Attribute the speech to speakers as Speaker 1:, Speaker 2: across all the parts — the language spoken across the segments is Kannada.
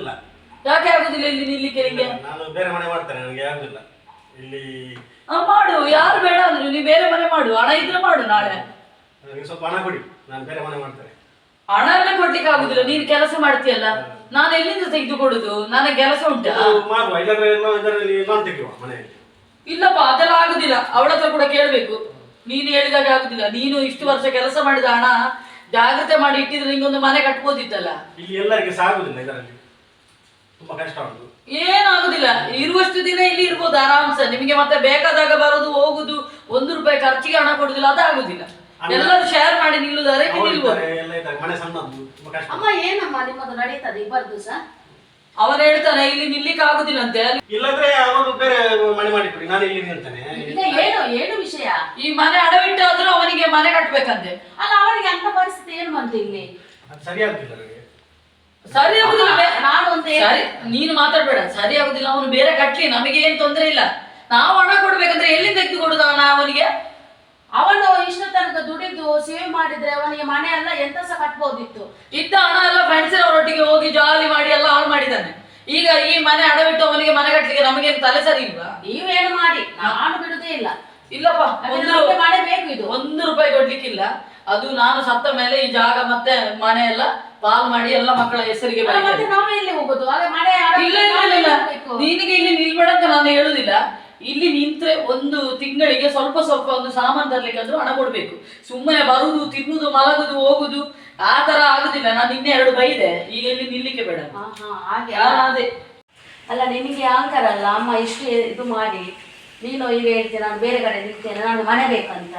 Speaker 1: ಆಗುದಿಲ್ಲ.
Speaker 2: ಯಾಕೆ ಆಗುದಿಲ್ಲ ಇಲ್ಲಿ ನಿಲ್ಲಿಕ್ಕೆ ನಿಂಗೆ?
Speaker 1: ನಾನು ಬೇರೆ ಮನೆ ಮಾಡ್ತೇನೆ, ನನಗೆ ಆಗುದಿಲ್ಲ ಇಲ್ಲಿ.
Speaker 2: ಮಾಡು, ಯಾರು ಬೇಡ ಅಂದ್ರು ನೀ ಬೇರೆ ಮನೆ ಮಾಡು, ಹಣ ಇದ್ರೆ ಮಾಡು. ನಾಳೆ
Speaker 1: ನನಗೆ ಸ್ವಲ್ಪ ಹಣ ಕೊಡಿ, ನಾನು ಬೇರೆ ಮನೆ ಮಾಡ್ತೇನೆ.
Speaker 2: ಹಣ ಎಲ್ಲ ಕೊಡ್ಲಿಕ್ಕೆ ಆಗುದಿಲ್ಲ, ನೀನ್ ಕೆಲಸ ಮಾಡ್ತೀಯಲ್ಲ, ನಾನು ಎಲ್ಲಿಂದ ತೆಗೆದು ಕೊಡುದು? ನನಗೆ ಕೆಲಸ ಉಂಟಾ?
Speaker 1: ಮಾಡುವ, ಇಲ್ಲಾಂದ್ರೆ ಇದರಲ್ಲಿ ಲೋನ್ ತೆಗೆಯುವ ಮನೆಯಲ್ಲಿ.
Speaker 2: ಇಲ್ಲಪ್ಪ, ಅದೆಲ್ಲ ಆಗುದಿಲ್ಲ. ಅವಳ ಹತ್ರ ಕೂಡ ಕೇಳ್ಬೇಕು. ನೀನು ಹೇಳಿದಾಗ ಆಗುದಿಲ್ಲ. ನೀನು ಇಷ್ಟು ವರ್ಷ ಕೆಲಸ ಮಾಡಿದ ಹಣ ಜಾಗ್ರತೆ ಮಾಡಿ ಇಟ್ಟಿದ್ರೆ ನಿಂಗೊಂದು ಮನೆ ಕಟ್ಬೋದಿತ್ತಲ್ಲ.
Speaker 1: ಇಲ್ಲಿ ಎಲ್ಲರಿಗೆ ಸಹ ಆಗುದಿಲ್ಲ, ಇದರಲ್ಲಿ ತುಂಬಾ ಕಷ್ಟ ಉಂಟು.
Speaker 2: ಏನಾಗುದಿಲ್ಲ, ಇರುವಷ್ಟು ದಿನ ಇಲ್ಲಿ ಇರ್ಬೋದು ಆರಾಮ್ಸ. ನಿಮಗೆ ಮತ್ತೆ ಬೇಕಾದಾಗ ಬರೋದು ಹೋಗುದು, 1 ರೂಪಾಯಿ ಖರ್ಚಿಗೆ ಹಣ ಕೊಡುದಿಲ್ಲ, ಅದಾಗುದಿಲ್ಲ. ಎಲ್ಲರೂ ಶೇರ್ ಮಾಡಿ ನಿಲ್ಲುದಾರೆ ನಿಲ್ಬೋದು.
Speaker 1: ಮನೆ ಸಣ್ಣದು, ತುಂಬಾ ಕಷ್ಟ.
Speaker 3: ಅಮ್ಮ ಏನಮ್ಮ ನಿಮ್ಮದು ನಡೀತದೆ ಇಬ್ಬರದು ಸಹ?
Speaker 2: ಅವನು ಹೇಳ್ತಾನೆ ಇಲ್ಲಿ ನಿಲ್ಲಿಕ್ಕೆ ಆಗುದಿಲ್ಲ ಅಂತೆ.
Speaker 1: ಇಲ್ಲಾಂದ್ರೆ ಅವರು ಬೇರೆ ಮನೆ ಮಾಡಿಕೊಡಿ, ನಾನು ಇಲ್ಲಿ ನಿಲ್ತೇನೆ.
Speaker 3: ಈಗ ಏನು ವಿಷಯ?
Speaker 2: ಈ ಮನೆ ಅಡವಿಟ್ಟಾದ್ರೂ ಅವನಿಗೆ ಮನೆ ಕಟ್ಬೇಕಂತೆ.
Speaker 3: ಅಲ್ಲ, ಅವನಿಗೆ ಅಂತ ಪರಿಸ್ಥಿತಿ ಏನು ಬಂತು ಇಲ್ಲಿ?
Speaker 1: ಅದು ಸರಿಯಾಗುದಿಲ್ಲ ನನಗೆ.
Speaker 2: ಸರಿ ಆಗುದಿಲ್ಲ.
Speaker 3: ನಾನು ಒಂದು
Speaker 2: ಸರಿ, ನೀನು ಮಾತಾಡ್ಬೇಡ. ಸರಿ ಆಗುದಿಲ್ಲ, ಅವನು ಬೇರೆ ಕಟ್ಲಿ, ನಮಗೆ ಏನ್ ತೊಂದ್ರೆ ಇಲ್ಲ. ನಾವು ಹಣ ಕೊಡ್ಬೇಕಂದ್ರೆ ಎಲ್ಲಿ ತೆಗೆದು ಕೊಡುದ ಹಣ ಅವನಿಗೆ?
Speaker 3: ಅವನು ಇಷ್ಟ ತನಕ ದುಡಿದು ಸೇವ್ ಮಾಡಿದ್ರೆ ಅವನಿಗೆ ಮನೆ ಎಲ್ಲ ಎಂತ ಸಹ ಕಟ್ಬೋದಿತ್ತು.
Speaker 2: ಇದ್ದ ಹಣ ಎಲ್ಲ ಫ್ರೆಂಡ್ಸಿನವರೊಟ್ಟಿಗೆ ಹೋಗಿ ಜಾಲಿ ಮಾಡಿ ಎಲ್ಲ ಹಾಳು ಮಾಡಿದ್ದಾನೆ. ಈಗ ಈ ಮನೆ ಅಡವಿಟ್ಟು ಅವನಿಗೆ ಮನೆ ಕಟ್ಲಿಕ್ಕೆ ನಮಗೇನು ತಲೆ ಸರಿ ಇಲ್ವಾ?
Speaker 3: ನೀವೇನು ಮಾಡಿ, ನಾನು ಬಿಡುದೇ ಇಲ್ಲ.
Speaker 2: ಇಲ್ಲಪ್ಪ,
Speaker 3: ಮಾಡಬೇಕು. ಇದು
Speaker 2: 1 ರೂಪಾಯಿ ಕೊಡ್ಲಿಕ್ಕಿಲ್ಲ. ಅದು ನಾನು ಸತ್ತ ಮೇಲೆ ಈ ಜಾಗ ಮತ್ತೆ ಮನೆ ಎಲ್ಲ ಪಾಲ್ ಮಾಡಿ ಎಲ್ಲ ಮಕ್ಕಳ ಹೆಸರಿಗೆ
Speaker 3: ಮತ್ತೆ ನಾವು ಎಲ್ಲಿ ಹೋಗುದು? ಮನೆ
Speaker 2: ಇಲ್ಲ ಇಲ್ಲ ಇಲ್ಲ, ನಿನಗೆ ಇಲ್ಲಿ ನಿಲ್ಬೇಡ ಅಂತ ನಾನು ಹೇಳುದಿಲ್ಲ. ಇಲ್ಲಿ ನಿಂತ್ರೆ 1 ತಿಂಗಳಿಗೆ ಸ್ವಲ್ಪ ಸ್ವಲ್ಪ ಒಂದು ಸಾಮಾನು ತರ್ಲಿಕ್ಕೆ ಆದ್ರೂ ಹಣ ಕೊಡ್ಬೇಕು. ಸುಮ್ಮನೆ ಬರುದು, ತಿನ್ನುದು, ಮಲಗುದು, ಹೋಗುದು ಆ ತರ ಆಗುದಿಲ್ಲ. ನಾನು ಇನ್ನೇ 2 ಬೈದೆ, ಈಗ ಇಲ್ಲಿ ನಿಲ್ಲಿಕ್ಕೆ ಬೇಡ.
Speaker 3: ಹಾಗೆ
Speaker 2: ಅದೇ
Speaker 3: ಅಲ್ಲ, ನಿನಗೆ ಅಹಂಕಾರ ಅಲ್ಲ ಅಮ್ಮ ಇಷ್ಟು ಇದು ಮಾಡಿ. ನೀನು ಈಗ ಹೇಳ್ತೀನಿ ನಾನು ಬೇರೆ ಕಡೆ ನಿಲ್ತೇನೆ, ನಾನು ಮನೆ ಬೇಕಂತ.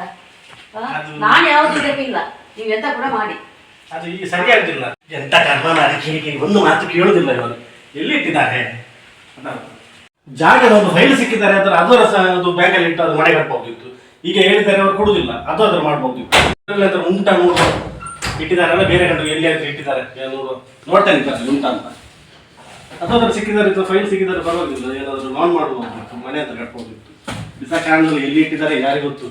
Speaker 3: ನಾನು ಯಾವ್ದು ಇಲ್ಲ, ನೀವು ಎಂತ ಕೂಡ ಮಾಡಿ.
Speaker 1: ಅದು ಈಗ ಸರಿಯಾಗುದಿಲ್ಲ. ಎಂತ ಕರ್ಮ ಕಿರಿಕಿರಿ, ಒಂದು ಮಾತು ಕೇಳುದಿಲ್ಲ ಇವರು. ಎಲ್ಲಿಟ್ಟಿದ್ದಾರೆ ಜಾಗದ ಒಂದು ಫೈಲ್ ಸಿಕ್ಕಿದ್ದಾರೆ ಅಂದ್ರೆ ಅದರ ಒಂದು ಬ್ಯಾಂಕಲ್ಲಿ ಇಟ್ಟು ಅದು ಮನೆ ಕಟ್ಬೋದಿತ್ತು. ಈಗ ಹೇಳಿದ್ದಾರೆ ಅವರು ಕೊಡುದಿಲ್ಲ, ಅದು ಅದ್ರ ಮಾಡ್ಬೋದಿತ್ತು. ಉಂಟ ನೋಡು ಇಟ್ಟಿದ್ದಾರಲ್ಲ, ಬೇರೆ ಕಡೆ ಎಲ್ಲಿಯಾದ್ರೂ ಇಟ್ಟಿದ್ದಾರೆ ನೋಡ್ತೇನೆ ಉಂಟ ಅಂತ. ಅದಾದ್ರೂ ಸಿಕ್ಕಿದ್ದಾರೆ, ಫೈಲ್ ಸಿಕ್ಕಿದ್ದಾರೆ ಪರವಾಗಿಲ್ಲ, ಏನಾದ್ರು ಲೋನ್ ಮಾಡ್ಬೋದಿತ್ತು, ಮನೆ ಹತ್ರ ಕಟ್ಬೋದಿತ್ತು. ಬಿಸಾ ಕಾರಣದಲ್ಲಿ ಎಲ್ಲಿ ಇಟ್ಟಿದ್ದಾರೆ ಯಾರಿಗೆ ಗೊತ್ತು.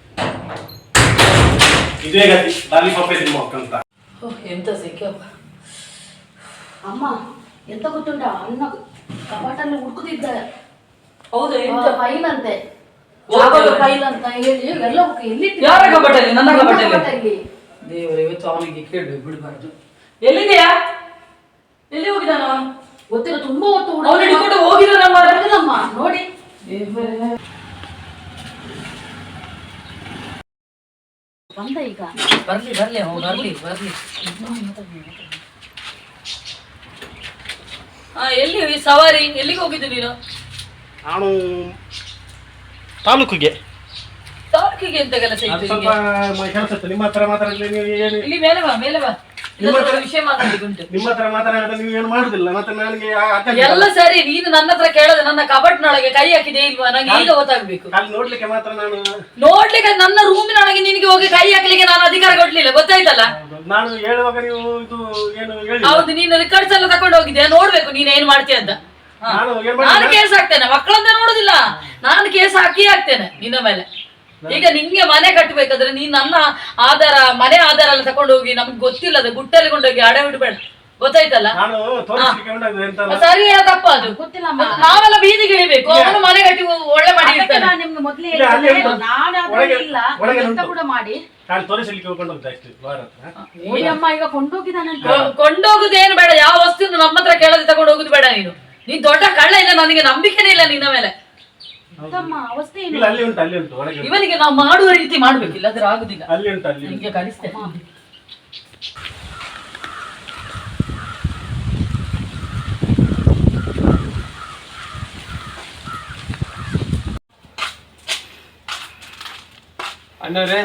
Speaker 1: ಇದೇ ಗತಿ, ಲಾಲಿಪಾಪ್ ತಿನ್ಬೇಕಂತ.
Speaker 2: ಎಂತ ಸಿಕ್ಕಪ್ಪ
Speaker 3: ಅಮ್ಮ. ಎಂತ ಗೊತ್ತುಂಟ, ಅನ್ನ ಕಪಾಟಲ್ಲಿ ಹುಡುಕುತ್ತಿದ್ದ.
Speaker 2: ಹೌದು,
Speaker 3: ಫೈಲ್ ಅಂತೆ, ಫೈಲ್ ಅಂತ ಹೇಳಿ ಎಲ್ಲ ಎಲ್ಲಿ
Speaker 2: ಯಾರ ಕಪಾಟಲ್ಲಿ? ನನ್ನ ಕಪಾಟಲ್ಲಿ. ದೇವರೇ, ಇವತ್ತು ಅವನಿಗೆ ಕೇಳ್ಬೇಕು, ಬಿಡಬಾರ್ದು. ಎಲ್ಲಿದೆಯಾ? ಎಲ್ಲಿ ಹೋಗಿದ್ದಾನ?
Speaker 3: ಗೊತ್ತಿಲ್ಲ, ತುಂಬಾ ಹೊತ್ತು
Speaker 2: ಅವನು ಹಿಡ್ಕೊಂಡು ಹೋಗಿದ್ದಾನಮ್ಮ
Speaker 3: ನೋಡಿ. ಬಂದ ಈಗ
Speaker 2: ಬರ್ಲಿ ಬರ್ಲಿ ಅವನು ಬರ್ಲಿ ಬರ್ಲಿ. ಎಲ್ಲಿ ಸವಾರಿ? ಎಲ್ಲಿಗೆ ಹೋಗಿದ್ದು ನೀನು?
Speaker 1: ನಾನು ತಾಲೂಕಿಗೆ
Speaker 2: ಎಂತ ಕೆಲಸ ಇತ್ತು?
Speaker 1: ಸ್ವಲ್ಪ ಕೆಲಸ ಇತ್ತು. ನಿಮ್ಮ ಹತ್ರ ಮಾತಾಡಿದ್ರೆ ನೀವು ಏನು
Speaker 2: ಇಲ್ಲಿ ಮೇಲೆ ಬಾ, ಮೇಲೆ ಬಾ, ವಿಷಯ ಮಾತಾಡ್ಲಿಕ್ಕುಂಟು.
Speaker 1: ನಿಮ್ಮ ಹತ್ರ ಮಾತಾಡಿದ್ರೆ ನೀವು ಏನು ಮಾಡುದಿಲ್ಲ. ಮತ್ತೆ ನನಗೆ
Speaker 2: ಎಲ್ಲ ಸರಿ, ನೀನು ನನ್ನ ಹತ್ರ ಕೇಳದೆ ನನ್ನ ಕಬಟ್ನೊಳಗೆ ಕೈ ಹಾಕಿದೆ ಇಲ್ವಾ? ನಂಗೆ ಈಗ ಗೊತ್ತಾಗ್ಬೇಕು.
Speaker 1: ಅಲ್ಲಿ ನೋಡ್ಲಿಕ್ಕೆ ಮಾತ್ರ ನಾನು
Speaker 2: ನೋಡ್ಲಿಕ್ಕೆ ನನ್ನ ರೂಮಿನೊಳಗೆ ನಿನಗೆ ಹೋಗಿ ಕೈ ಹಾಕ್ಲಿಕ್ಕೆ ನಾನು ಅಧಿಕಾರ ಕೊಡ್ಲಿಲ್ಲ, ಗೊತ್ತಾಯ್ತಲ್ಲ?
Speaker 1: ನಾನು ಹೇಳುವಾಗ ನೀವು ಇದು ಏನು ಹೇಳಿ.
Speaker 2: ಹೌದು, ನೀನು ರಿಕಾರ್ಡ್ಸ್ ಎಲ್ಲ ತಕೊಂಡು ಹೋಗಿದ್ದೆ, ನೋಡ್ಬೇಕು ನೀನ್ ಏನ್ ಮಾಡ್ತೀಯ ಅಂತ. ನಾನು ಕೇಸ್ ಹಾಕ್ತೇನೆ, ಮಕ್ಕಳಂತ ನೋಡುದಿಲ್ಲ, ನಾನು ಕೇಸ್ ಹಾಕ್ತೇನೆ ನಿನ್ನ ಮೇಲೆ. ಈಗ ನಿಂಗೆ ಮನೆ ಕಟ್ಟಬೇಕಾದ್ರೆ ನೀನ್ ನನ್ನ ಆಧಾರ, ಮನೆ ಆಧಾರ ಎಲ್ಲ ತಕೊಂಡು ಹೋಗಿ ನಮ್ಗೆ ಗೊತ್ತಿಲ್ಲದ ಗುಟ್ಟಲ್ಲಿ ಕೊಂಡೋಗಿ ಅಡ ಬಿಡಬೇಡ, ಗೊತ್ತಾಯ್ತಲ್ಲ? ಸರಿ, ತಪ್ಪ ಅದು ಗೊತ್ತಿಲ್ಲ. ನಾವೆಲ್ಲ ಬೀದಿಗೆ ಇಳಿಬೇಕು, ಅವನು ಮನೆ ಕಟ್ಟಿ ಒಳ್ಳೆ ಮಾಡಿ ಇರ್ತಾನೆ.
Speaker 3: ನಿಮ್ಗೆ ಮೊದ್ಲೇ ಎಂತ ಕೂಡ ಮಾಡಿ ಅಮ್ಮ ಈಗ ಕೊಂಡೋಗಿದ್ದಾನಂತ.
Speaker 2: ಕೊಂಡೋಗುದೇನು ಬೇಡ, ಯಾವ ವಸ್ತು ನಮ್ಮ ಹತ್ರ ಕೇಳದೆ ತಗೊಂಡು ಹೋಗುದು ಬೇಡ. ನೀನ್ ದೊಡ್ಡ ಕಳ್ಳ ಇಲ್ಲ, ನನಗೆ ನಂಬಿಕೆನೇ ಇಲ್ಲ ನಿನ್ನ ಮೇಲೆ. ಇವನಿಗೆ ನಾವು ಮಾಡುವ ರೀತಿ ಮಾಡ್ಬೇಕಿಲ್ಲ, ಅದ್ರ ಆಗುದಿಲ್ಲ. ನಿಂಗೆ ಕಲಿಸ್ತೇನೆ.
Speaker 4: ಅಣ್ಣವ್ರೆ,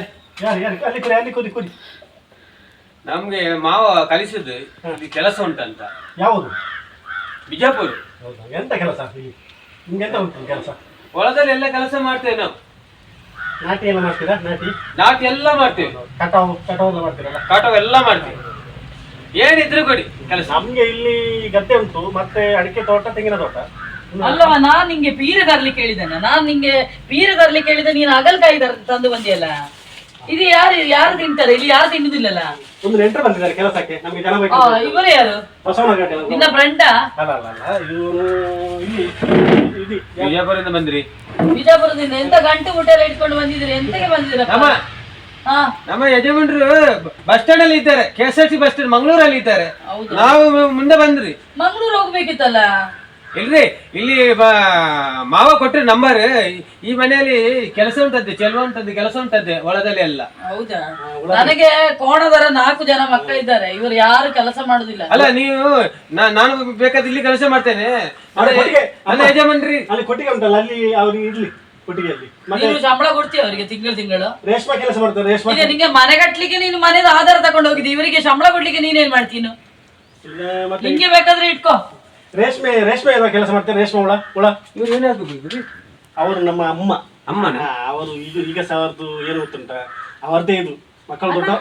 Speaker 4: ನಮ್ಗೆ ಮಾವ ಕಲಿಸಿದ್ದು ಇಲ್ಲಿ ಕೆಲಸ ಉಂಟಂತ.
Speaker 1: ಯಾವುದು?
Speaker 4: ಬಿಜಾಪುರ.
Speaker 1: ಎಂತ ಕೆಲಸ? ನಿಮ್ಗೆಂತ ಉಂಟು ಕೆಲಸ?
Speaker 4: ಹೊಲದಲ್ಲಿ ಎಲ್ಲ ಕೆಲಸ ಮಾಡ್ತೇವೆ ನಾವು.
Speaker 1: ನಾಟಿ ಎಲ್ಲ ಮಾಡ್ತೀರಾ?
Speaker 4: ನಾಟಿ ಎಲ್ಲ ಮಾಡ್ತೇವೆ.
Speaker 1: ಕಟಾವು ಮಾಡ್ತೀರಲ್ಲ?
Speaker 4: ಕಾಟವ್ ಎಲ್ಲ ಮಾಡ್ತೇವೆ. ಏನಿದ್ರು ಕೊಡಿ ಕೆಲಸ.
Speaker 1: ನಮ್ಗೆ ಇಲ್ಲಿ ಗದ್ದೆ ಉಂಟು, ಮತ್ತೆ ಅಡಿಕೆ ತೋಟ, ತೆಂಗಿನ ತೋಟ.
Speaker 2: ಅಲ್ಲವ, ನಾನ್ ನಿಂಗೆ ಪೀರ ತರ್ಲಿಕ್ಕೆ ಹೇಳಿದ್ದೇನೆ. ನಾನ್ ನಿಂಗೆ ಪೀರ ತರ್ಲಿಕ್ಕೆ ಹೇಳಿದೆ, ನೀನು ಅಗಲ್ಕಾಯಿ ತಂದು ಬಂದಿಯಲ್ಲ. ಇದು ಯಾರು ತಿಂತಾರೆ ಇಲ್ಲಿ? ಯಾರು ತಿನ್ನುದಿಲ್ಲಲ್ಲ.
Speaker 1: ಒಂದು ನೆಂಟರು ಬಂದಿದ್ದಾರೆ ಕೆಲಸಕ್ಕೆ, ನಮ್ಗೆ ಜನ ಬೇಕು.
Speaker 2: ಇವರು ಯಾರು?
Speaker 1: ಬಸವನಗಡ್ಡೆ
Speaker 2: ನಿನ್ನ ಫ್ರೆಂಡಾ?
Speaker 1: ಅಲ್ಲ ಇವರು ಇಲ್ಲಿ
Speaker 4: ವಿಜಯಪುರದಿಂದ ಬಂದ್ರಿ?
Speaker 2: ಬಿಜಾಪುರದಿಂದ. ಎಂತ ಗಂಟು ಊಟ ಎಲ್ಲ ಇಟ್ಕೊಂಡು ಬಂದಿದ್ರಿ? ಎಂತಕ್ಕೆ ಬಂದಿದ್ದೀರ?
Speaker 4: ನಮ್ಮ ಯಜಮಾನ್ರು ಬಸ್ ಸ್ಟ್ಯಾಂಡ್ ಅಲ್ಲಿ ಇದ್ದಾರೆ, KSRTC ಬಸ್ ಸ್ಟ್ಯಾಂಡ್ ಮಂಗಳೂರಲ್ಲಿ ಇದ್ದಾರೆ. ನಾವು ಮುಂದೆ ಬಂದ್ರಿ.
Speaker 2: ಮಂಗಳೂರು ಹೋಗ್ಬೇಕಿತ್ತಲ್ಲ?
Speaker 4: ಇಲ್ರಿ, ಇಲ್ಲಿ ಮಾವ ಕೊಟ್ರಿ ನಂಬರ್. ಈ ಮನೆಯಲ್ಲಿ ಕೆಲಸ ಉಂಟದ್ದೆ, ಚೆಲುವ ಉಂಟದ್ದೆ, ಕೆಲಸ ಉಂಟದ್ದೆ ಹೊಲದಲ್ಲಿ ಎಲ್ಲ.
Speaker 2: ಹೌದಾ? ನನಗೆ ಕೋಣದರ 4 ಜನ ಮಕ್ಕಳಿದ್ದಾರೆ, ಇವರು ಯಾರು ಕೆಲಸ ಮಾಡುದಿಲ್ಲ.
Speaker 4: ಅಲ್ಲ ನೀವು ನಾನು ಬೇಕಾದ್ರೆ ಇಲ್ಲಿ ಕೆಲಸ ಮಾಡ್ತೇನೆ. ನನ್ನ ಯಜಮಾನ್ರಿ
Speaker 1: ಅಲ್ಲಿ ಕೊಟ್ಟಿಗೆ ಉಂಟಲ್ಲ, ಅಲ್ಲಿ ಅವ್ರಿಗೆ ಇರ್ಲಿ ಕೊಟ್ಟಿಗೆಯಲ್ಲಿ.
Speaker 2: ನೀನು ಸಂಬಳ ಕೊಡ್ತೀಯ ಅವರಿಗೆ ತಿಂಗಳು?
Speaker 1: ರೇಷ್ಮೆ ಕೆಲಸ ಮಾಡ್ತಾರೆ. ರೇಷ್ಮೆ
Speaker 2: ಈಗ ನಿಂಗೆ ಮನೆ ಕಟ್ಲಿಕ್ಕೆ ನೀನು ಮನೆದ ಆಧಾರ ತಗೊಂಡು ಹೋಗಿದ್ದಿ, ಇವರಿಗೆ ಸಂಬಳ ಕೊಡ್ಲಿಕ್ಕೆ ನೀನೇನ್ ಮಾಡ್ತೀನು? ನಿಂಗೆ ಬೇಕಾದ್ರೆ ಇಟ್ಕೋ.
Speaker 1: ರೇಷ್ಮೆ ಕೆಲಸ ಮಾಡ್ತಾರೆ. ರೇಷ್ಮೆ ಹುಳ
Speaker 4: ಇವ್ರು ಏನಾಗ್ಬೇಕು?
Speaker 1: ಅವರು ನಮ್ಮ
Speaker 4: ಅಮ್ಮನ
Speaker 1: ಅವರು ಈಗ ಸಹ ಅವ್ರದ್ದು ಏನು ಗೊತ್ತುಂಟ, ಅವರದೇ ಇದು ಮಕ್ಕಳು ದೊಡ್ಡ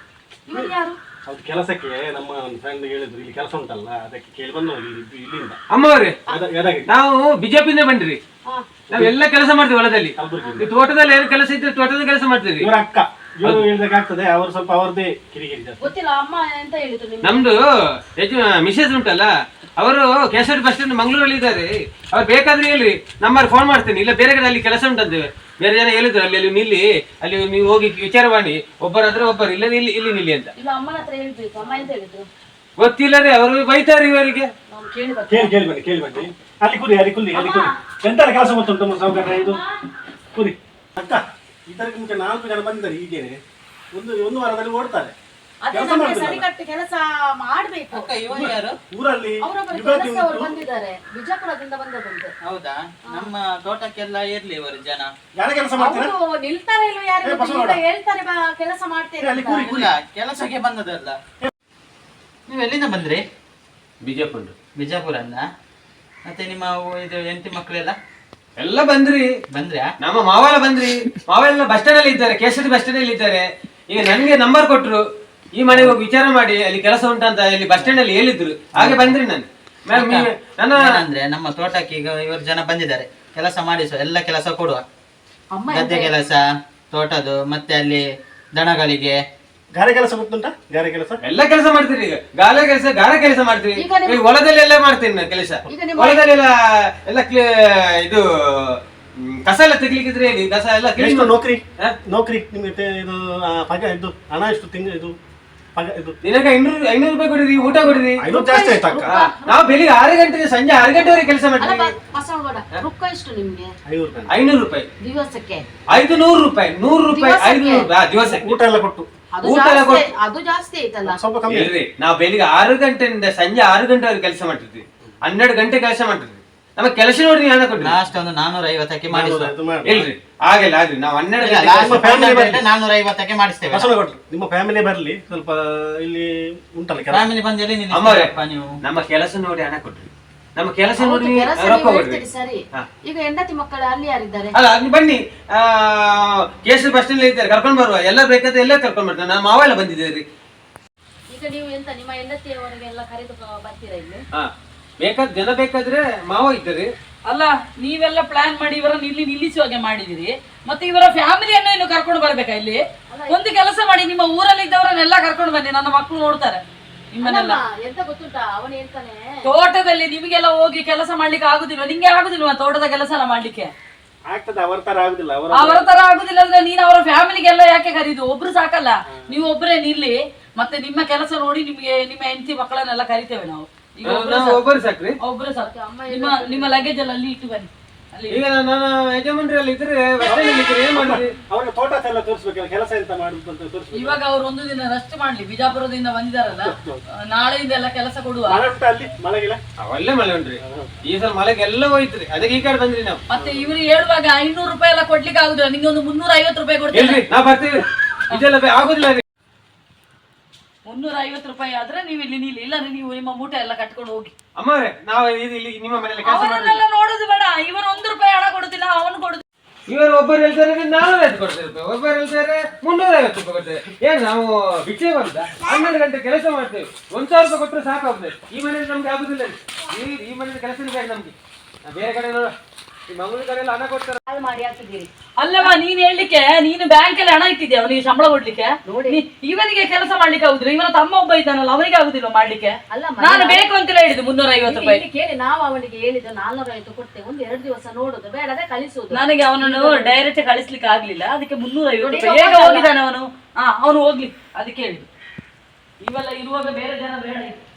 Speaker 1: ಅವ್ರ ಕೆಲಸಕ್ಕೆ ನಮ್ಮ ಫ್ರೆಂಡ್ ಹೇಳಿದ್ರು ಇಲ್ಲಿ ಕೆಲಸ ಉಂಟಲ್ಲ, ಅದಕ್ಕೆ ಕೇಳಿ ಬಂದು ಇಲ್ಲಿಂದ.
Speaker 4: ಅಮ್ಮವ್ರೆ, ನಾವು ಬಿಜೆಪಿಯಿಂದ ಬಂದ್ರಿ. ನಾವೆಲ್ಲ ಕೆಲಸ ಮಾಡ್ತೀವಿ ಹೊಲದಲ್ಲಿ, ತೋಟದಲ್ಲಿ ಏನು ಕೆಲಸ ಇದ್ರೆ ತೋಟದ ಕೆಲಸ ಮಾಡ್ತೀವಿ.
Speaker 1: ಇವರ ಅಕ್ಕ ಇವರು ಹೇಳ್ಬೇಕಾಗ್ತದೆ, ಅವರು ಸ್ವಲ್ಪ ಅವರದೇ ಕಿರಿಕಿರಿ ಜಾಸ್ತಿ.
Speaker 3: ಗೊತ್ತಿಲ್ಲ ಅಮ್ಮ ಎಂತ ಹೇಳಿದ್ರು?
Speaker 4: ನಮ್ದು ಮಿಸೇಜ್ ಉಂಟಲ್ಲ, ಅವರು KSRTC ಬಸ್ ಸ್ಟ್ಯಾಂಡ್ ಮಂಗಳೂರಲ್ಲಿ ಇದ್ದಾರೆ. ಅವ್ರು ಬೇಕಾದ್ರೆ ಹೇಳಿ, ನಂಬರ್ ಫೋನ್ ಮಾಡ್ತೇನೆ. ಇಲ್ಲ ಬೇರೆ ಕಡೆ ಅಲ್ಲಿ ಕೆಲಸ ಉಂಟಂತೆ, ಬೇರೆ ಜನ ಹೇಳಿದ್ರು ಅಲ್ಲಿ ನಿಲ್ಲಿ, ಅಲ್ಲಿ ನೀವು ಹೋಗಿ ವಿಚಾರ ಮಾಡಿ, ಒಬ್ಬರಾದ್ರೆ ಒಬ್ಬರು, ಇಲ್ಲ ಇಲ್ಲಿ ನಿಲ್ಲಿ ಅಂತ.
Speaker 3: ಇಲ್ಲ ಅಮ್ಮನ ಹತ್ರ ಹೇಳ್ಬೇಕು. ಅಮ್ಮ ಎಂತ ಹೇಳಿದ್ರು
Speaker 4: ಗೊತ್ತಿಲ್ಲ ರೀ, ಅವರು ಬೈತಾರೆ ಇವರಿಗೆ.
Speaker 1: ಕೇಳಿ ಬನ್ನಿ. ಅಲ್ಲಿ ಕುರಿ ಎಂತ ಕೆಲಸ ಗೊತ್ತುಂಟು ಸೌಕರ್ಯ ಇದು ಕುರಿ. ಅಕ್ಕ ಇದಕ್ಕೆ ಮುಂಚೆ 4 ಜನ ಬಂದಿದ್ದಾರೆ, ಹೀಗೇನೆ ಒಂದು ವಾರದಲ್ಲಿ ಓಡ್ತಾರೆ.
Speaker 3: ಕೆಲಸ ಮಾಡ್ಬೇಕು.
Speaker 1: ಊರಲ್ಲಿ
Speaker 3: ಬಂದಿದ್ದಾರೆ, ಬಿಜಾಪುರದಿಂದ ಬಂದದಂತೆ.
Speaker 5: ಹೌದಾ? ನಮ್ಮ ತೋಟಕ್ಕೆಲ್ಲ ಇರ್ಲಿ ಇವರು ಜನ.
Speaker 1: ಯಾರ ಕೆಲಸ ಮಾಡ್ತಾರೆ?
Speaker 3: ನಿಲ್ತಾರೆ ಇಲ್ವ ಯಾರು ಹೇಳ್ತಾರೆ ಕೆಲಸ ಮಾಡ್ತೇನೆ.
Speaker 5: ಇಲ್ಲ, ಕೆಲಸಕ್ಕೆ ಬಂದದಲ್ಲ. ನೀವು ಎಲ್ಲಿಂದ ಬಂದ್ರಿ? ಬಿಜಾಪುರನ್ನ. ಮತ್ತೆ ನಿಮ್ಮ ಇದು ಹೆಂಡತಿ ಮಕ್ಕಳೆಲ್ಲ
Speaker 4: ಎಲ್ಲ ಬಂದ್ರಾ? ನಮ್ಮ ಮಾವೆಲ್ಲ ಬಂದ್ರಿ. ಮಾವೆಲ್ಲ ಬಸ್ ಸ್ಟ್ಯಾಂಡ್ ಅಲ್ಲಿ ಇದ್ದಾರೆ, KSRTC ಬಸ್ ಸ್ಟ್ಯಾಂಡ್ ಅಲ್ಲಿ ಇದ್ದಾರೆ. ಈಗ ನನ್ಗೆ ನಂಬರ್ ಕೊಟ್ರು, ಈ ಮನೆಗೆ ಹೋಗಿ ವಿಚಾರ ಮಾಡಿ ಅಲ್ಲಿ ಕೆಲಸ ಉಂಟಂತ ಇಲ್ಲಿ ಬಸ್ ಸ್ಟ್ಯಾಂಡ್ ಅಲ್ಲಿ ಹೇಳಿದ್ರು, ಹಾಗೆ ಬಂದ್ರಿ ನಾನು.
Speaker 5: ಅಂದ್ರೆ ನಮ್ಮ ತೋಟಕ್ಕೆ ಈಗ ಇವರು ಜನ ಬಂದಿದ್ದಾರೆ, ಕೆಲಸ ಮಾಡಿಸುವ, ಎಲ್ಲ ಕೆಲಸ ಕೊಡುವ. ಗದ್ದೆ ಕೆಲಸ, ತೋಟದು, ಮತ್ತೆ ಅಲ್ಲಿ ದನಗಳಿಗೆ
Speaker 1: ಗಾರೆ ಕೆಲಸ ಗೊತ್ತುಂಟ? ಗಾರೆ ಕೆಲಸ
Speaker 4: ಎಲ್ಲ ಕೆಲಸ ಮಾಡ್ತೀರಿ. ಈಗ ಗಾರೆ ಕೆಲಸ ಮಾಡ್ತೀವಿ. ಹೊಲದಲ್ಲಿ ಎಲ್ಲ ಮಾಡ್ತೀನಿ ನಾನು ಕೆಲಸ. ಹೊಲದಲ್ಲಿ ಎಲ್ಲ ಇದು ಕಸ ಎಲ್ಲ ತೆಗಿಲಿಕ್ಕಿದ್ರೆ ಹೇಳಿ, ಕಸ ಎಲ್ಲ
Speaker 1: ನೌಕರಿ ನಿಮ್ಗೆ ಇದು ಇದು ಹಣ ಎಷ್ಟು ತಿಂಗಳು ಇದು
Speaker 4: ದಿನಕ್ಕೆ 500 ರೂಪಾಯಿ ಕೊಡಿರಿ, ಊಟ ಕೊಡಿರಿ.
Speaker 1: ಜಾಸ್ತಿ ಆಯ್ತಾ?
Speaker 4: ನಾವು ಬೆಳಿಗ್ಗೆ 6 ಗಂಟೆ ಸಂಜೆ 6 ಗಂಟೆವರೆಗೆ ಕೆಲಸ ಮಾಡ್ತೀವಿ. 500 ರೂಪಾಯಿ
Speaker 3: ದಿವಸಕ್ಕೆ,
Speaker 4: 500 ರೂಪಾಯಿ, 100 ರೂಪಾಯಿ, 500 ರೂಪಾಯಿ ದಿವಸಕ್ಕೆ.
Speaker 1: ಊಟ ಎಲ್ಲ ಕೊಟ್ಟು
Speaker 3: ಅದು ಜಾಸ್ತಿ ಆಯ್ತಲ್ಲ.
Speaker 1: ಸ್ವಲ್ಪ ಕಮ್ಮಿ
Speaker 4: ಇಲ್ರಿ, ನಾವು ಬೆಳಿಗ್ಗೆ 6 ಗಂಟೆಯಿಂದ ಸಂಜೆ 6 ಗಂಟೆವರೆಗೆ ಕೆಲಸ ಮಾಡ್ತಿದ್ವಿ. 12 ಗಂಟೆ ಕೆಲಸ ಮಾಡ್ತಿದ್ವಿ. ನಮ್ಮ ಕೆಲಸ ನೋಡಿ ಹಣ ಕೊಡ್ರಿ.
Speaker 5: ಲಾಸ್ಟ್ ಒಂದು 450ಕ್ಕೆ ಮಾಡಿಸುವ.
Speaker 4: ಇಲ್ರಿ ಆಗಿಲ್ಲ, ನಾವು 12
Speaker 5: 450ಕ್ಕೆ ಮಾಡಿಸ್ತೇವೆ.
Speaker 1: ನಿಮ್ಮ ಫ್ಯಾಮಿಲಿ ಬರ್ಲಿ, ಸ್ವಲ್ಪ ಇಲ್ಲಿ ಉಂಟಲ್ಲ
Speaker 5: ಫ್ಯಾಮಿಲಿ ಬಂದಲ್ಲಿ
Speaker 4: ನೀವು ನಮ್ಮ ಕೆಲಸ ನೋಡಿ ಹಣ ಕೊಡ್ರಿ. ನಮ್ಮ ಕೆಲಸ ನೋಡಿ ರೊಕ್ಕ ಕೊಡ್ರಿ.
Speaker 3: ಸರಿ, ಈಗ ಹೆಂಡತಿ ಮಕ್ಕಳು ಅಲ್ಲಿ ಯಾರಿದ್ದಾರೆ?
Speaker 4: ಅಲ್ಲ ನೀವು ಬನ್ನಿ, KSRTC ಬಸ್ ಸ್ಟ್ಯಾಂಡ್ ಇದ್ದಾರೆ, ಕರ್ಕೊಂಡ್ ಬರುವ. ಎಲ್ಲ ಬೇಕಾದ್ರೆ ಎಲ್ಲ ಕರ್ಕೊಂಡ್ ಬರ್ತಾರೆ. ನಮ್ಮ ಮಾವ ಎಲ್ಲ ಬಂದಿದ್ದೀರಿ.
Speaker 3: ಈಗ ನೀವು ಎಂತ ನಿಮ್ಮ ಹೆಂಡತಿಯವರಿಗೆಲ್ಲ ಕರೆದು ಬರ್ತೀರಾ ಇಲ್ಲಿ?
Speaker 4: ಬೇಕಾದ ಜನ ಬೇಕಾದ್ರೆ ಮಾವ ಇದ್ದಾರೆ.
Speaker 2: ಅಲ್ಲ, ನೀವೆಲ್ಲ ಪ್ಲಾನ್ ಮಾಡಿ ಇವರನ್ನು ಇಲ್ಲಿ ನಿಲ್ಲಿಸುವಾಗೆ ಮಾಡಿದಿರಿ, ಮತ್ತೆ ಇವರ ಫ್ಯಾಮಿಲಿಯನ್ನು ಇನ್ನು ಕರ್ಕೊಂಡು ಬರ್ಬೇಕಾ ಇಲ್ಲಿ? ಒಂದು ಕೆಲಸ ಮಾಡಿ, ನಿಮ್ಮ ಊರಲ್ಲಿ ಇದ್ದವರನ್ನೆಲ್ಲ ಕರ್ಕೊಂಡು ಬನ್ನಿ, ನನ್ನ ಮಕ್ಕಳು ನೋಡ್ತಾರೆ ನಿಮ್ಮನ್ನೆಲ್ಲ.
Speaker 3: ಎಂತ ಗೊತ್ತುಂಟಾ, ಅವನು ಹೇಳ್ತಾನೆ
Speaker 2: ತೋಟದಲ್ಲಿ ನಿಮಗೆಲ್ಲ ಹೋಗಿ ಕೆಲಸ ಮಾಡ್ಲಿಕ್ಕೆ ಆಗುದಿಲ್ವಾ? ನಿಂಗೆ ಆಗುದಿಲ್ವಾ ತೋಟದ ಕೆಲಸ ಎಲ್ಲ ಮಾಡ್ಲಿಕ್ಕೆ?
Speaker 1: ಆಗ್ತದೆ, ಅವರ ತರ ಆಗುದಿಲ್ಲ.
Speaker 2: ಅವರ ತರ ಆಗುದಿಲ್ಲ ಅಂದ್ರೆ ನೀನು ಅವರ ಫ್ಯಾಮಿಲಿಗೆಲ್ಲ ಯಾಕೆ ಕರೀದು? ಒಬ್ರು ಸಾಕಲ್ಲ, ನೀವು ಒಬ್ರೇ ನಿಲ್ಲಿ. ಮತ್ತೆ ನಿಮ್ಮ ಕೆಲಸ ನೋಡಿ ನಿಮ್ಗೆ ನಿಮ್ಮ ಹೆಂಡತಿ ಮಕ್ಕಳನ್ನೆಲ್ಲ ಕರಿತೇವೆ ನಾವು.
Speaker 4: ಒಬ್ಬರು ಸಾಕ್ರಿ,
Speaker 2: ಒಬ್ರು ಸಾಕು. ನಿಮ್ಮ ಲಗೇಜ್ ಎಲ್ಲ ಅಲ್ಲಿ ಇಟ್ಟು ಬನ್ನಿ.
Speaker 4: ಈಗ ನನ್ನ ಯಜಮಾನ್ರಲ್ಲಿ ಇದ್ರೆ ಏನ್ ಮಾಡಿದ್ರಿ?
Speaker 1: ಅವ್ರಿಗೆ ತೋಟ ಎಲ್ಲ ತೋರಿಸ್ಬೇಕಲ್ಲ, ಕೆಲಸ ಎಂತ ಮಾಡುದು ಅಂತ ತೋರಿಸ್ಬೇಕು.
Speaker 2: ಇವಾಗ ಅವ್ರು ಒಂದು ದಿನ ರೆಸ್ಟ್ ಮಾಡ್ಲಿ, ಬಿಜಾಪುರದಿಂದ ಬಂದಿದಾರಲ್ಲ, ನಾಳೆಯಿಂದ ಎಲ್ಲ ಕೆಲಸ ಕೊಡುವ.
Speaker 1: ಅಲ್ಲಿ ಮಳೆಗಿಲ್ಲ?
Speaker 4: ಒಳ್ಳೆ ಮಳೆ ಉಂಟ್ರಿ, ಈ ಸಲ ಮಳೆಗೆಲ್ಲ ಹೋಯ್ತ್ರಿ, ಅದಕ್ಕೆ ಈ ಕಡೆ ಬಂದ್ರಿ ನಾವು.
Speaker 2: ಮತ್ತೆ ಇವ್ರು ಹೇಳುವಾಗ 500 ರೂಪಾಯಿ ಎಲ್ಲ ಕೊಡ್ಲಿಕ್ಕೆ ಆಗುದಿಲ್ಲ, ನಿಂಗೆ ಒಂದು 350 ರೂಪಾಯಿ ಕೊಡ್ತೀವಿ.
Speaker 4: ನಾವ್ ಬರ್ತೀವಿ, ಇದೆಲ್ಲ ಆಗುದಿಲ್ಲ ರೀ.
Speaker 2: 350 ರೂಪಾಯಿ ಆದ್ರೆ ನೀವು ಇಲ್ಲಿ ನಿಲ್ಲಿ, ಇಲ್ಲ ನೀವು ನಿಮ್ಮ ಮೂಟೆ ಎಲ್ಲ ಕಟ್ಕೊಂಡು ಹೋಗಿ.
Speaker 4: ಅಮ್ಮವ್ರೆ, ನಾವು ಇಲ್ಲಿ ನಿಮ್ಮ ಮನೆಯಲ್ಲಿ ಕೆಲಸ
Speaker 2: ಅವರನ್ನೆಲ್ಲ ನೋಡುದು ಬೇಡ. ಇವರು 1 ರೂಪಾಯಿ ಹಣ ಕೊಡುದಿಲ್ಲ, ಅವನು ಕೊಡುದು.
Speaker 4: ಇವರು ಒಬ್ಬರು ಹೇಳ್ತಾರೆ 450 ಕೊಡ್ತೇವೆ ರೂಪಾಯಿ, ಒಬ್ಬರು ಹೇಳ್ತಾರೆ 350 ರೂಪಾಯಿ ಕೊಡ್ತೇವೆ. ಏನ್ ನಾವು ಬಿಚ್ಚೆ ಬಂದ 12 ಗಂಟೆ ಕೆಲಸ ಮಾಡ್ತೇವೆ, 1000 ರೂಪಾಯಿ ಕೊಟ್ಟರೆ ಸಾಕಾಗ್ತದೆ. ಈ ಮನೆಯಲ್ಲಿ ನಮ್ಗೆ ಆಗುದಿಲ್ಲ, ಈ ಮನೆಯಲ್ಲಿ ಕೆಲಸ ಬೇಕು ನಮ್ಗೆ. ಬೇರೆ ಕಡೆ ನೋಡ ಈ ಮಂಗಳೂರು ಕಡೆ ಎಲ್ಲ ಹಣ ಕೊಡ್ತಾರೆ.
Speaker 3: ಹಾಳು ಮಾಡಿ ಹಾಕಿದ್ದೀರಿ.
Speaker 2: ಅಲ್ಲವಾ ನೀನ್ ಹೇಳ್ಲಿಕ್ಕೆ ನೀನು ಬ್ಯಾಂಕ್ ಅಲ್ಲಿ ಹಣ ಇಟ್ಟಿದ್ದೆ ಅವನಿಗೆ ಸಂಬಳ ಕೊಡ್ಲಿಕ್ಕೆ. ಇವನಿಗೆ ಕೆಲಸ ಮಾಡ್ಲಿಕ್ಕೆ ಆಗುದಿಲ್ಲ, ಇವನ ತಮ್ಮ ಒಬ್ಬ ಇದ್ದಾನಲ್ಲ ಅವನಿಗೆ ಆಗುದಿಲ್ಲ ಮಾಡ್ಲಿಕ್ಕೆ.
Speaker 3: ಅಲ್ಲ
Speaker 2: ನಾನು ಬೇಕು ಅಂತೆಲ್ಲ ಹೇಳಿದ್ದು 350 ರೂಪಾಯಿ.
Speaker 3: ಇಲ್ಲಿ ಕೇಳಿ ನಾವು ಅವನಿಗೆ ಹೇಳಿದ್ದು 450 ಕೊಡ್ತೇವೆ, 1-2 ದಿವಸ ನೋಡುದು ಬೇಡದೆ ಕಳಿಸುದು.
Speaker 2: ನನಗೆ ಅವನನ್ನು ಡೈರೆಕ್ಟ್ ಕಳಿಸ್ಲಿಕ್ಕೆ ಆಗ್ಲಿಲ್ಲ, ಅದಕ್ಕೆ 350 ರೂಪಾಯಿ. ಹೇಗೆ ಹೋಗಿದ್ದಾನೆ ಅವನು? ಅವನು ಹೋಗ್ಲಿ, ಅದಕ್ಕೆ ಹೇಳಿದ್ದು. ಇವೆಲ್ಲ ಇರುವಾಗ ಬೇರೆ ಜನ ಬೇಡ.